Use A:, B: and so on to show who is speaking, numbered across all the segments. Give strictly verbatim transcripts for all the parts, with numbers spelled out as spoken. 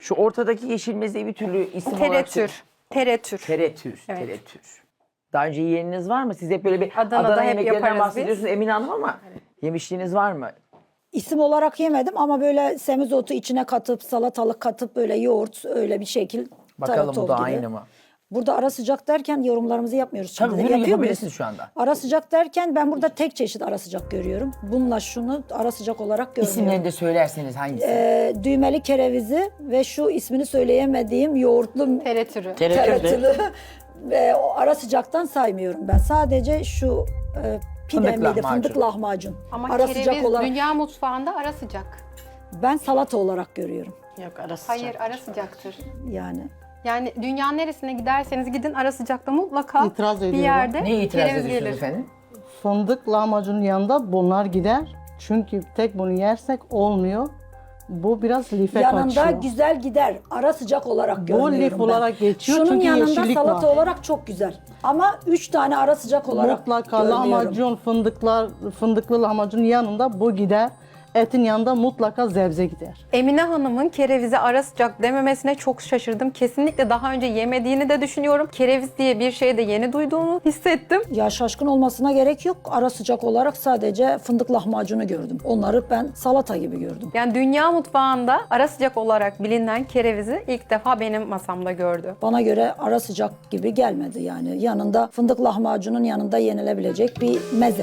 A: Şu ortadaki yeşil mezeyi bir türlü isim olarak...
B: Teretür. Teretür.
A: Teretür.
B: Evet.
A: Teretür. Daha önce yiyeniniz var mı? Siz hep böyle bir
B: Adana'da
A: Adana
B: hep
A: yemeklerinden
B: yaparız
A: bahsediyorsunuz
B: biz.
A: Emine Hanım ama yemişliğiniz var mı?
C: İsim olarak yemedim ama böyle semizotu içine katıp salatalık katıp böyle yoğurt öyle bir şekil.
A: Bakalım bu
C: tarator
A: da
C: gibi.
A: aynı mı?
C: Burada ara sıcak derken yorumlarımızı yapmıyoruz.
A: Tabii
C: Şimdi
A: bunu
C: yapıyor
A: yapabilirsiniz
C: muyuz?
A: şu anda.
C: Ara sıcak derken ben burada tek çeşit ara sıcak görüyorum. Bununla şunu ara sıcak olarak görmüyorum.
A: İsimlerini de söylerseniz hangisi?
C: Ee, düğmeli kerevizi ve şu ismini söyleyemediğim yoğurtlu
B: Teretürü.
C: tereyağı ve o ara sıcaktan saymıyorum ben. Sadece şu e, pide
A: Fındık
C: miydi?
A: lahmacun.
C: Fındık lahmacun.
B: Ama
C: ara
B: kereviz
C: sıcak olarak
B: dünya mutfağında ara sıcak.
C: ben salata olarak görüyorum.
D: Yok arası
B: Hayır ara sıcaktır.
C: Yani
B: Yani dünyanın neresine giderseniz gidin ara sıcakta mutlaka
D: İtiraz
B: bir
D: ediyorum.
B: yerde
A: Neye itiraz
B: kereviz
A: ediyorsunuz
B: gelir.
A: efendim?
D: Fındık lahmacunun yanında bunlar gider. Çünkü tek bunu yersek olmuyor. Bu biraz life
C: yanında
D: kaçıyor.
C: güzel gider. Ara sıcak olarak
D: Bu
C: görüyorum
D: lif
C: ben.
D: olarak geçiyor
C: Şunun
D: çünkü
C: yanında
D: yeşillik
C: salata
D: var.
C: olarak çok güzel. Ama üç tane ara sıcak olarak
D: Mutlaka
C: görmüyorum.
D: lahmacun, fındıklar, fındıklı lahmacunun yanında bu gider. Etin yanında mutlaka zebze gider.
B: Emine Hanım'ın kerevize ara sıcak dememesine çok şaşırdım. Kesinlikle daha önce yemediğini de düşünüyorum. Kereviz diye bir şey de yeni duyduğunu hissettim.
C: Ya şaşkın olmasına gerek yok. Ara sıcak olarak sadece fındık lahmacunu gördüm. Onları ben salata gibi gördüm.
B: Yani dünya mutfağında ara sıcak olarak bilinen kerevizi ilk defa benim masamda gördü.
C: Bana göre ara sıcak gibi gelmedi yani. Yanında fındık lahmacunun yanında yenilebilecek bir meze.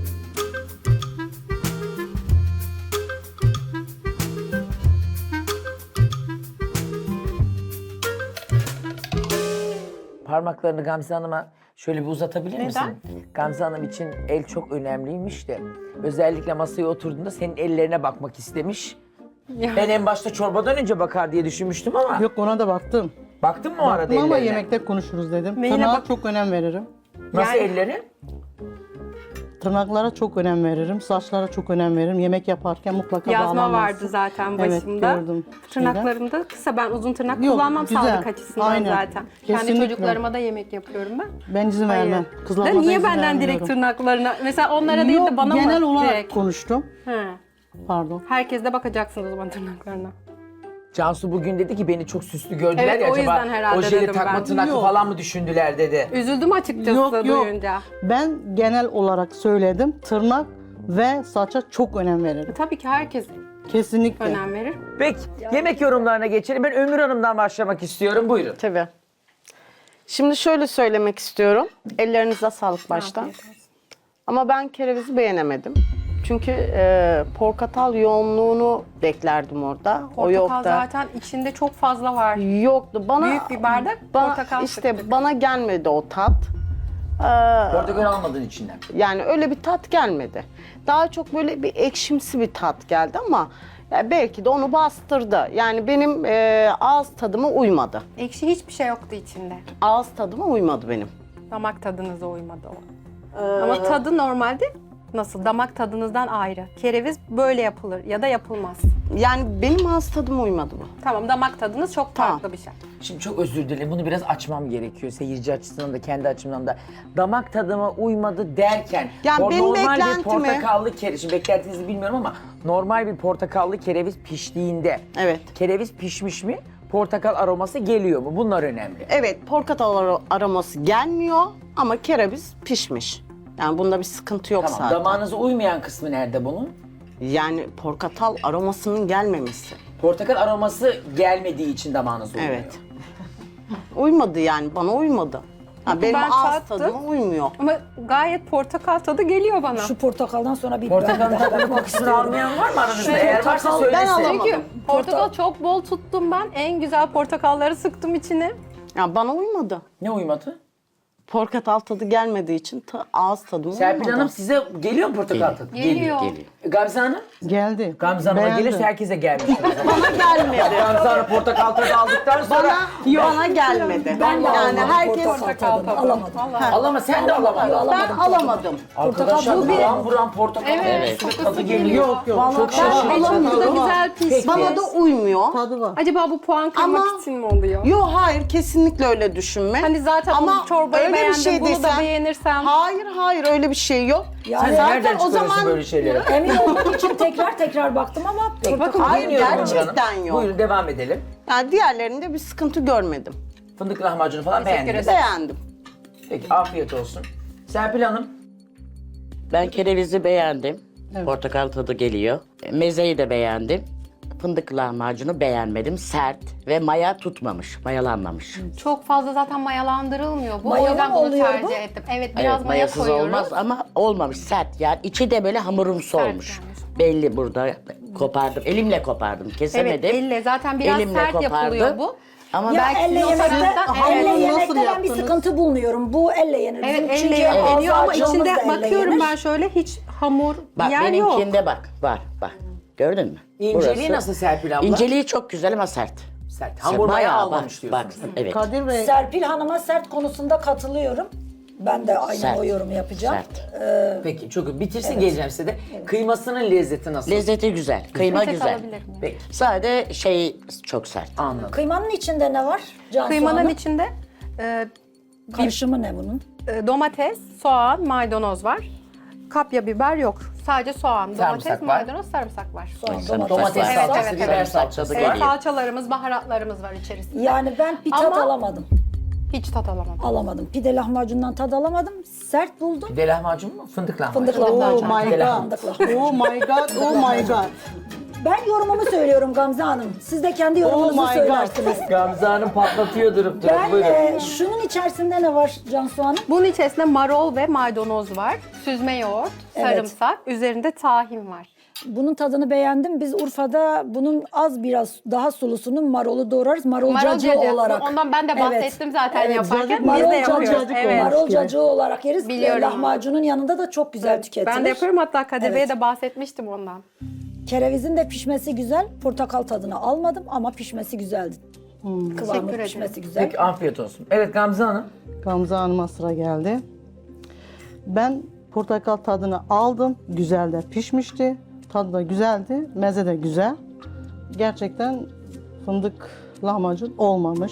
A: Parmaklarını Gamze Hanım'a şöyle bir uzatabilir
B: Neden?
A: misin? Gamze Hanım için el çok önemliymiş de. Özellikle masaya oturduğunda senin ellerine bakmak istemiş.
B: Ya.
A: Ben en başta çorbadan önce bakar diye düşünmüştüm ama.
D: Yok ona da baktım.
A: Baktın mı o arada
D: Baktım ama
A: ellerine?
D: yemekte konuşuruz dedim.
B: Neyine
D: Tırnağa
B: bak-
D: çok önem veririm.
A: Nasıl
B: Yani-
A: elleri?
D: Tırnaklara çok önem veririm. Saçlara çok önem veririm. Yemek yaparken mutlaka
B: Yazma
D: bağlanması.
B: vardı zaten
D: Evet,
B: başımda.
D: gördüm.
B: Tırnaklarım da kısa. Ben uzun tırnak
D: Yok,
B: kullanmam
D: güzel.
B: sağlık açısından
D: Aynen.
B: zaten. Kendi
D: Kesinlikle.
B: çocuklarıma da yemek yapıyorum ben.
D: Ben izin
B: Hayır.
D: vermem.
B: Da
D: Kızlarıma da
B: niye
D: izin
B: benden direkt
D: vermiyorum.
B: tırnaklarına? Mesela onlara değil
D: Yok,
B: de bana
D: genel
B: mı
D: olarak
B: direkt?
D: konuştum.
B: He.
D: Pardon.
B: Herkes de bakacaksınız o zaman tırnaklarına.
A: Cansu bugün dedi ki beni çok süslü gördüler
B: Evet,
A: ya
B: o
A: acaba
B: yüzden herhalde
A: ojeli
B: dedim
A: takma
B: ben.
A: tırnaklı
D: Yok.
A: falan mı düşündüler dedi.
B: Üzüldüm açıkçası
D: Yok, yok.
B: duyunca.
D: Ben genel olarak söyledim. Tırnak ve saça çok önem veririm.
B: Tabii ki herkes
D: Kesinlikle.
B: önem verir.
A: Peki yemek yorumlarına geçelim. Ben Ömür Hanım'dan başlamak istiyorum. Buyurun.
E: Tabii. Şimdi şöyle söylemek istiyorum. Ellerinize sağlık başta.
B: Afiyet olsun.
E: Ama ben kerevizi beğenemedim. Çünkü e, portakal yoğunluğunu beklerdim orada. o
B: Portakal
E: yoktu.
B: zaten içinde çok fazla var.
E: Yoktu. Bana
B: Büyük bir bardak
E: bana,
B: portakal
E: işte
B: sıktık.
E: bana gelmedi o tat. Ee,
A: Portakal almadığın içinden.
E: Yani öyle bir tat gelmedi. Daha çok böyle bir ekşimsi bir tat geldi ama ya belki de onu bastırdı. Yani benim e, ağız tadıma uymadı.
B: Ekşi hiçbir şey yoktu içinde.
E: Ağız tadıma uymadı benim.
B: Damak tadınıza uymadı o. Ama tadı normalde nasıl? Damak tadınızdan ayrı. Kereviz böyle yapılır ya da yapılmaz.
E: Yani benim ağız tadıma uymadı bu.
B: Tamam, damak tadınız çok
E: Tamam.
B: farklı bir şey.
A: Şimdi çok özür dilerim. Bunu biraz açmam gerekiyor. Seyirci açısından da kendi açımdan da. Damak tadıma uymadı derken.
E: Yani
A: o
E: benim
A: normal bir
E: beklentimi-
A: portakallı kereviz. Şimdi beklentinizi bilmiyorum ama normal bir portakallı kereviz piştiğinde.
E: Evet.
A: Kereviz pişmiş mi? Portakal aroması geliyor mu? Bunlar önemli.
E: Evet, portakal ar- aroması gelmiyor ama kereviz pişmiş. Yani bunda bir sıkıntı yok
A: Tamam.
E: zaten.
A: Damağınıza uymayan kısmı nerede bunun?
E: Yani portakal aromasının gelmemesi.
A: Portakal aroması gelmediği için damağınıza uymuyor.
E: Evet. Uymadı yani, bana uymadı. Ha, benim
B: ben
E: ağız
B: tattım.
E: tadıma uymuyor.
B: Ama gayet portakal tadı geliyor bana.
C: Şu portakaldan sonra bir
A: Portakalın
C: ben daha
A: tadını
C: bakmak
A: kokusunu
C: istiyorum.
A: almayan var mı aranızda?
C: Şu
A: Eğer varsa
C: portakal-
A: söylesin.
E: ben alamadım.
B: Çünkü portakal çok bol tuttum ben. En güzel portakalları sıktım içine.
E: Ya bana uymadı.
A: Ne uymadı?
E: Portakal tadı gelmediği için ta- ağız tadıma
A: Serpil
E: uymadı.
A: Hanım size geliyor mu portakal tadı?
B: Geliyor.
A: E, Gamze Hanım?
D: Geldi.
A: Gamze Hanım'a
D: Beğendim.
A: gelirse herkese gelmiştir.
E: Bana gelmedi.
A: Gamze Hanım portakal tadı aldıktan sonra...
E: Bana, bana gelmedi.
C: Ben de
E: yani
C: alamadım
E: herkes
C: portakal tadını, alamadım.
A: Al ama sen de alamadın.
E: ben alamadım.
A: Arkadaşlar
C: bu bir-
A: buram buram portakal
B: Evet,
A: tadı
B: kokusu
A: geliyor.
D: Yok yok.
E: Vallahi
A: Çok
E: ben
A: şaşırdım.
B: Ve çok da
E: alamadım.
B: güzel pişmiş.
E: Bana da uymuyor.
D: Tadı var.
B: Acaba bu puan kırmak
E: Ama-
B: için mi oluyor?
E: Yok hayır kesinlikle öyle düşünme.
B: Hani zaten
E: Ama
B: o çorbayı
E: bir
B: beğendim,
E: şey
B: bunu da
E: desem.
B: beğenirsem.
E: Hayır hayır öyle bir şey yok.
C: Yani
A: Sen
C: zaten
A: nereden
E: o
A: çıkarıyorsun
E: zaman-
A: böyle şeyleri?
C: emin olmak için tekrar tekrar baktım ama
A: Bakın
E: Hayır,
A: dinliyorum
E: gerçekten
A: canım.
E: yok.
A: Buyurun devam edelim.
E: Yani diğerlerinde bir sıkıntı görmedim.
A: Fındık lahmacunu falan
B: Teşekkür
A: beğendiniz.
E: Beğendim.
A: Peki afiyet olsun. Serpil Hanım.
F: Ben kerevizi beğendim. Portakal tadı geliyor. Mezeyi de beğendim. Fındık lahmacunu beğenmedim. Sert ve maya tutmamış, mayalanmamış.
B: Çok fazla zaten mayalandırılmıyor bu.
C: Mayalı
B: o yüzden
C: mı
B: bunu
C: oluyor
B: tercih
C: bu?
B: ettim. Evet, biraz
F: Evet,
B: maya
F: mayasız
B: koyuyoruz.
F: olmaz ama olmamış, sert. Yani içi de böyle hamurumsu
B: Sert
F: olmuş.
B: yani.
F: Belli burada kopardım. Elimle kopardım,
B: Evet,
F: kesemedim.
B: elle zaten biraz
F: Elimle
B: sert
F: kopardım.
B: yapılıyor bu.
F: Ama
C: ya
F: belki
C: elle
B: o
C: yemekte,
B: taraftan-
C: elle
B: Evet.
C: yemekte
D: Nasıl
C: ben bir
D: yaptınız?
C: sıkıntı bulmuyorum. Bu elle yenir.
B: Evet,
C: Bizim
B: elle
C: çünkü
B: yeniyor ama
C: ağzı
B: içinde
C: acımız da elle
B: bakıyorum
C: yenir.
B: ben şöyle hiç hamur
F: bak
B: yer yok.
F: benimkinde bak, var bak. Gördün mü?
A: İnceliği
F: Burası.
A: nasıl Serpil abla?
F: İnceliği çok güzel ama sert.
A: Sert. Hamur maya
F: Bayağı
A: almamış
F: bak, bak,
A: diyorsunuz.
F: evet.
D: Kadir Bey,
C: Serpil Hanım'a sert konusunda katılıyorum. Ben de aynı
F: Sert.
C: o yorumu yapacağım.
F: Sert.
A: Peki çok iyi. Bitirsin geleceğim size de. Kıymasının lezzeti nasıl?
F: Lezzeti güzel, kıyma
B: Peçete
F: güzel.
B: alabilir miyim?
A: Peki
F: Sade şey çok sert.
A: anladım.
C: Kıymanın içinde ne var? Cansu
B: Kıymanın
C: Hanım?
B: içinde e,
C: Karışımı ne bunun?
B: e, domates, soğan, maydanoz var. Kapya biber yok. Sadece soğan,
A: Sarımsak
B: domates,
A: var.
B: maydanoz, sarımsak var.
C: Soğan,
F: Sarımsak
C: domates.
A: Domates
B: Evet,
A: salçası,
B: evet,
A: biber
B: evet.
A: salçası
F: Evet,
B: Evet,
A: geliyor.
B: salçalarımız, baharatlarımız var içerisinde.
C: Yani ben bir tat
B: Ama-
C: alamadım.
B: Hiç tat alamadım.
C: Alamadım. Pide lahmacundan tad alamadım. Sert buldum.
A: Pide lahmacun mu? Fındık lahmacun.
C: Fındık
D: oh
C: lahmacun.
D: my
A: Pide
D: god.
A: lahmacun.
D: Oh my god, oh my god.
C: Ben yorumumu söylüyorum Gamze Hanım. Siz de kendi yorumunuzu
D: Oh my
C: söylersiniz.
A: Gamze Hanım patlatıyor durup durup.
C: Ben
A: Buyurun.
C: e, şunun içerisinde ne var Cansu Hanım?
B: Bunun içerisinde marul ve maydanoz var. Süzme yoğurt,
C: Evet.
B: sarımsak, üzerinde tahin var.
C: Bunun tadını beğendim. Biz Urfa'da bunun az biraz daha sulusunun marulu doğrarız. Marul,
B: Marul
C: cacığı
B: cacığı.
C: olarak.
B: Ondan ben de
C: Evet.
B: bahsettim zaten
C: Evet,
B: yaparken.
D: cacık,
B: Biz
C: Marul
B: de yapıyoruz.
D: cacık
B: Evet.
D: olmaz.
C: Marul cacığı olarak yeriz.
B: Biliyorum.
C: Lahmacunun yanında da çok güzel tüketilir.
B: Ben de yapıyorum, hatta Kadir
C: Evet.
B: Bey'e de bahsetmiştim ondan.
C: Kerevizin de pişmesi güzel. Portakal tadını almadım ama pişmesi güzeldi. Kıvamı
B: Teşekkür ederim.
C: pişmesi güzel.
A: Peki afiyet olsun. Evet Gamze Hanım.
D: Gamze Hanım'a sıra geldi. Ben portakal tadını aldım. Güzel de pişmişti. Tadı da güzeldi. Meze de güzel. Gerçekten fındık lahmacun olmamış.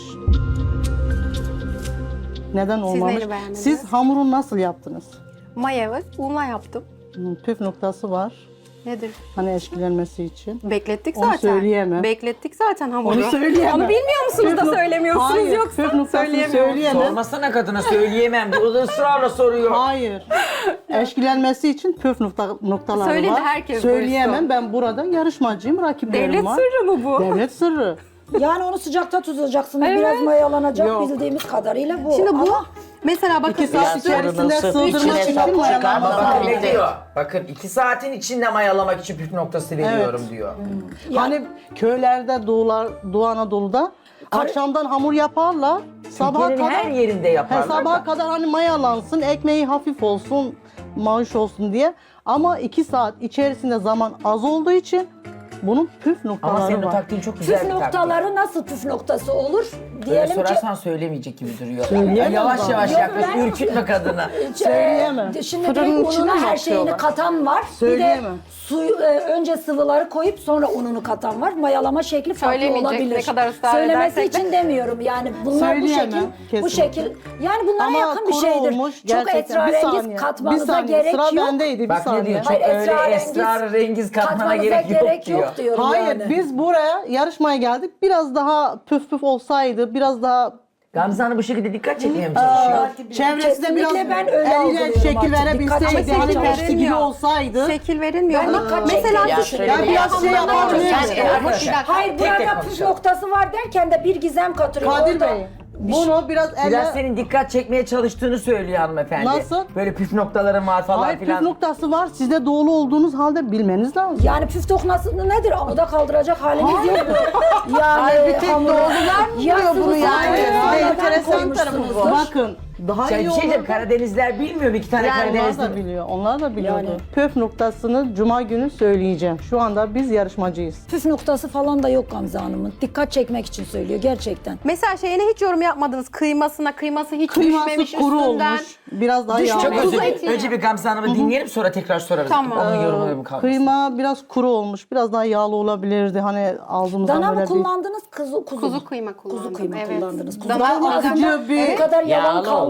D: Neden olmamış?
B: neyini beğenmediniz?
D: Siz hamuru nasıl yaptınız?
B: Maya, unla yaptım.
D: Hmm, Püf noktası var.
B: Nedir?
D: Hani eşkilenmesi için.
B: Beklettik
D: Onu
B: zaten.
D: söyleyemem.
B: Beklettik zaten hamuru.
D: Onu söyleyemem.
B: Onu bilmiyor musunuz
D: Püf
B: da
D: nok-
B: söylemiyorsunuz
D: Hayır,
B: yoksa
D: püf noktasını
B: söyleyemiyorum.
D: söyleyemem.
A: Sormasana kadına söyleyemem diye. O da ısrarla soruyor.
D: Hayır. Eşkilenmesi için püf nokta, noktaları
B: Söyledi,
D: var.
B: herkes
D: Söyleyemem.
B: duysun.
D: Ben burada yarışmacıyım. Rakiplerim
B: Devlet
D: var.
B: sırrı mı bu?
D: Devlet sırrı.
C: Yani onu sıcakta tutacaksınız.
B: Evet.
C: Biraz mayalanacak
D: Yok.
C: bildiğimiz kadarıyla bu.
B: Şimdi bu
C: Ama
B: mesela bakın
D: İki saat
B: üstü-
D: içerisinde
F: Fırının
D: sığdırmak
F: içine
D: için
F: sok,
D: mayalanması
F: çıkarma,
A: Bakın
F: Tamam,
A: ne
F: bitti.
A: diyor? Bakın iki saatin içinde mayalamak için püf noktası veriyorum diyor.
D: Hani köylerde, Doğular, Doğu Anadolu'da akşamdan hamur yaparlar. Sabaha
A: Türkiye'nin
D: kadar
A: her yerinde yaparlar.
D: He, sabaha
A: da.
D: kadar hani mayalansın, ekmeği hafif olsun, maaş olsun diye. Ama iki saat içerisinde zaman az olduğu için bunun püf
A: Ama
D: noktaları
A: senin o
D: var.
A: taktiğin çok güzel
C: püf
A: bir taktik.
C: noktaları nasıl püf noktası olur?
A: Böyle
C: Diyelim ki
A: sorarsan söylemeyecek gibi duruyor.
D: Söyleyemem
A: Yavaş
D: ben.
A: yavaş
C: Yok,
A: yaklaş,
C: ben-
A: ürkütme kadını.
D: Söyleyemem.
C: Ee, Şimdi
D: Fırının
C: direkt
D: içine
C: ununa
D: mi
C: her şeyini
D: atıyorlar?
C: katan var. Bir de
D: Söyleyemem.
C: suyu, e, önce sıvıları koyup sonra ununu katan var. Mayalama şekli farklı
B: Söylemeyecek,
C: olabilir.
B: ne kadar ısrar
C: Söylemesi
B: edersek de.
C: için demiyorum yani bunlar bu
D: Söyleyemem,
C: şekil, bu
D: kesinlikle.
C: şekil. Yani bunlara
D: Ama
C: yakın bir
D: kuru
C: şeydir.
D: olmuş
C: Çok
D: gerçekten. Bir
C: esrarengiz
D: saniye,
C: katmanıza
D: bir saniye.
C: gerek
D: Sıra
C: yok.
D: bendeydi bir
A: Bak ne
D: saniye.
A: diyor? Çok
C: Hayır,
A: öyle
C: esrarengiz
A: esrarengiz katmana
C: katmanıza
A: gerek,
C: gerek
A: yok
C: yok,
A: diyor.
C: diyorum
D: Hayır,
C: yani.
D: biz buraya yarışmaya geldik. Biraz daha püf püf olsaydı, biraz daha
A: Gamze Hanım bu şekilde dikkat çekmeye mi çalışıyor?
D: çevresine biraz
C: Kesinlikle ben öyle
D: eliyle
C: algılıyorum
D: şekil
C: artık.
D: verebilseydi,
C: Dikkat
D: hani
C: çekmeye
D: tepsi gibi
B: verilmiyor.
D: olsaydı.
B: şekil verilmiyor.
C: Ben
B: Ama
C: dikkat
B: mesela
C: çekmeye
B: düşün.
F: çalışıyorum.
D: Ya biraz şey yapabilir.
A: Sen-
B: Bir
A: arkadaşlar,
B: dakika.
C: Hayır
A: tek tek
C: burada püf
A: konuşalım.
C: noktası var derken de bir gizem katıyor.
D: Kadir
C: Orada
D: Bey, bunu biraz elle...
A: Biraz senin dikkat çekmeye çalıştığını söylüyor hanımefendi.
D: Nasıl?
A: Böyle püf noktaların var falan
D: Hayır, püf
A: filan.
D: noktası var. Siz de doğulu olduğunuz halde bilmeniz lazım.
C: Yani püf noktası nedir? Amuda kaldıracak halimiz yok. Yani
D: Hayır, bir tek
C: hamuru-
D: doğrular mı
C: Ya
D: biliyor bunu
C: sıvı
D: yani?
C: sadece
D: Hayır,
C: sonradan
D: enteresan tarafı bu.
C: koymuşsunuzdur.
D: Bakın, daha
A: Sen
D: iyi
A: bir şey diyeceğim,
D: olur.
A: Karadenizler bilmiyor mu? İki tane
D: Yani onlar
A: Karadenizli.
D: da biliyor, onlar da biliyordu.
C: Yani.
D: Püf noktasını Cuma günü söyleyeceğim. Şu anda biz yarışmacıyız.
C: Püf noktası falan da yok Gamze Hanım'ın. Dikkat çekmek için söylüyor gerçekten.
B: Mesela şeyine hiç yorum yapmadınız. Kıymasına, kıyması hiç
D: Kıyması
B: düşmemiş
D: kuru
B: üstünden.
D: olmuş, biraz daha
C: Düşmüş.
D: yağlı.
A: Çok özür
B: Kuzu
A: dilerim.
B: eti
A: Önce bir Gamze Hanım'ı dinleyelim sonra tekrar sorarız.
B: Tamam.
A: Onun yorumları mı kalmasın?
D: Kıyma biraz kuru olmuş, biraz daha yağlı olabilirdi. Hani ağzımızdan
C: Dana
D: böyle
C: mı kullandınız? Kuzu, kuzu.
B: Kuzu
C: mu?
B: kıyma kullandım.
C: Kuzu kıyma
B: evet.
C: kullandınız. Kuzu
B: Dana
C: kıyma
D: acı
C: aslında
D: bir-
C: bu kadar yavan
F: Yağlı olmuş.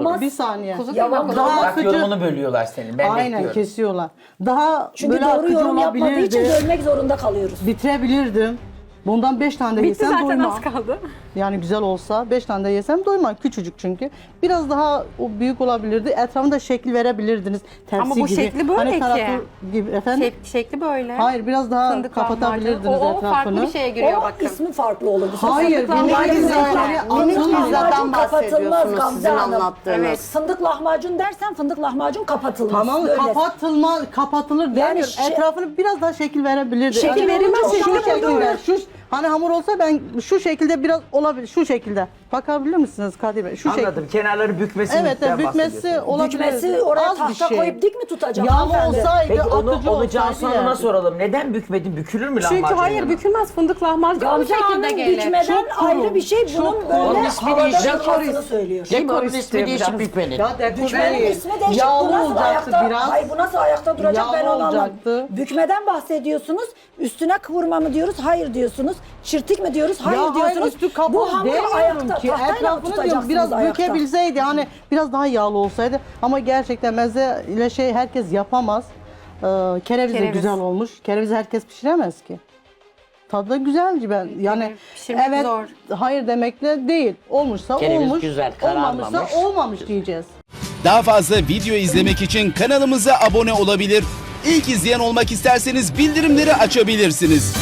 C: Yapılmaz.
D: Bir saniye.
B: Kuzu
C: Yalan
B: kıyma
C: mı?
D: Daha
A: Bak
D: sıcak-
A: yorumunu bölüyorlar senin. Ben
D: Aynen
A: bekliyorum.
D: kesiyorlar. Daha
C: Çünkü
D: böyle
C: doğru
D: akıcı
C: yorum yapmadığı için
D: olabilirdi.
C: bölmek zorunda kalıyoruz.
D: Bitirebilirdim. Bundan beş tane de
B: Bitti
D: yesem
B: zaten,
D: doymam.
B: az kaldı.
D: Yani güzel olsa beş tane de yesem doymam. Küçücük çünkü. Biraz daha o büyük olabilirdi. Etrafında şekil verebilirdiniz. Tepsi
B: Ama bu
D: gibi.
B: şekli böyle ki.
D: tarafı gibi efendim.
B: Şek- şekli böyle.
D: Hayır biraz daha
B: Fındık
D: kapatabilirdiniz
B: lahmacun. O, o
D: etrafını.
B: farklı bir şeye giriyor
C: O
B: bakın.
C: ismi farklı olurdu.
D: Hayır,
B: Fındık
D: minik
B: lahmacun
D: pizzaları
C: Minik
E: Minik
D: atılmıyor.
C: lahmacun
E: pizzadan
C: kapatılmaz
E: bahsediyorsunuz
C: Gamze
E: sizin
C: Hanım.
E: anlattığınız.
B: Evet.
C: Fındık lahmacun dersen fındık lahmacun kapatılmaz.
D: Tamam
C: Böyle.
D: kapatılma, kapatılır demiyorum.
C: şey-
D: Etrafını biraz daha şekil verebilirdi.
C: Şekil
D: Hani
C: verilmez,
D: şu
C: şekil
D: şekilde.
C: verilmez.
D: Şu, hani hamur olsa ben şu şekilde biraz olabilir. Şu şekilde. Bakabilir misiniz Kadir Bey? Şu şekilde.
A: Anladım. Kenarları bükmesi.
D: Evet, evet bükmesi olabilir.
C: Bükmesi oraya
D: Az bir
C: tahta
D: şey.
C: koyup dik mi tutacak?
D: Yağlı
C: hanımefendi?
D: olsaydı,
A: Peki onu,
D: akıcı
A: onu
D: olsaydı
A: Cansu Hanım'a
D: yerdim.
A: soralım. Neden bükmedin? Bükülür mü lahmacun?
B: Çünkü hayır
A: yanına?
B: bükülmez, fındık lahmacun bu
C: Gamze
B: şekilde
C: Hanım
B: gelir.
C: bükmeden
D: Çok kuru,
C: ayrı bir şey.
D: çok
C: Bunun
D: kuru.
C: böyle
F: Onun ismi
C: havada
F: değişik.
C: bükülmesini söylüyor.
F: Dekorun ismi
A: istiyorum
F: değişik
A: canım.
F: bükmenin.
D: Ya dekor
C: Bükmenin
D: değil.
C: ismi değişik.
D: Yağlı
C: Bu nasıl
D: olacaktı
C: ayakta,
D: biraz.
C: Hayır bu nasıl ayakta duracak ben
D: Yağlı
C: onu anlamadım.
D: olacaktı.
C: Bükmeden bahsediyorsunuz. Üstüne kıvırma mı diyoruz? Hayır diyorsunuz. Çirtik mi diyoruz? Hayır
D: Ya
C: diyorsunuz.
D: üstü kapalı
C: Bu hamur
D: demiyorum
C: ayakta.
D: ki.
C: Tahtayla mı
D: Etrafını diyorum
C: tutacaksınız
D: biraz
C: ayakta?
D: bükebilseydi hani biraz daha yağlı olsaydı. Ama gerçekten meze ile şey herkes yapamaz. Ee, kereviz de
B: Kereviz.
D: güzel olmuş. Kerevizi herkes pişiremez ki. Tadı da güzeldi ben. Yani
B: Pişirmek
D: evet
B: zor.
D: hayır demekle değil. Olmuşsa
F: Kereviz
D: olmuş.
F: güzel,
D: olmamışsa
F: kararmamış.
D: olmamış diyeceğiz.
G: Daha fazla video izlemek için kanalımıza abone olabilir. İlk izleyen olmak isterseniz bildirimleri açabilirsiniz.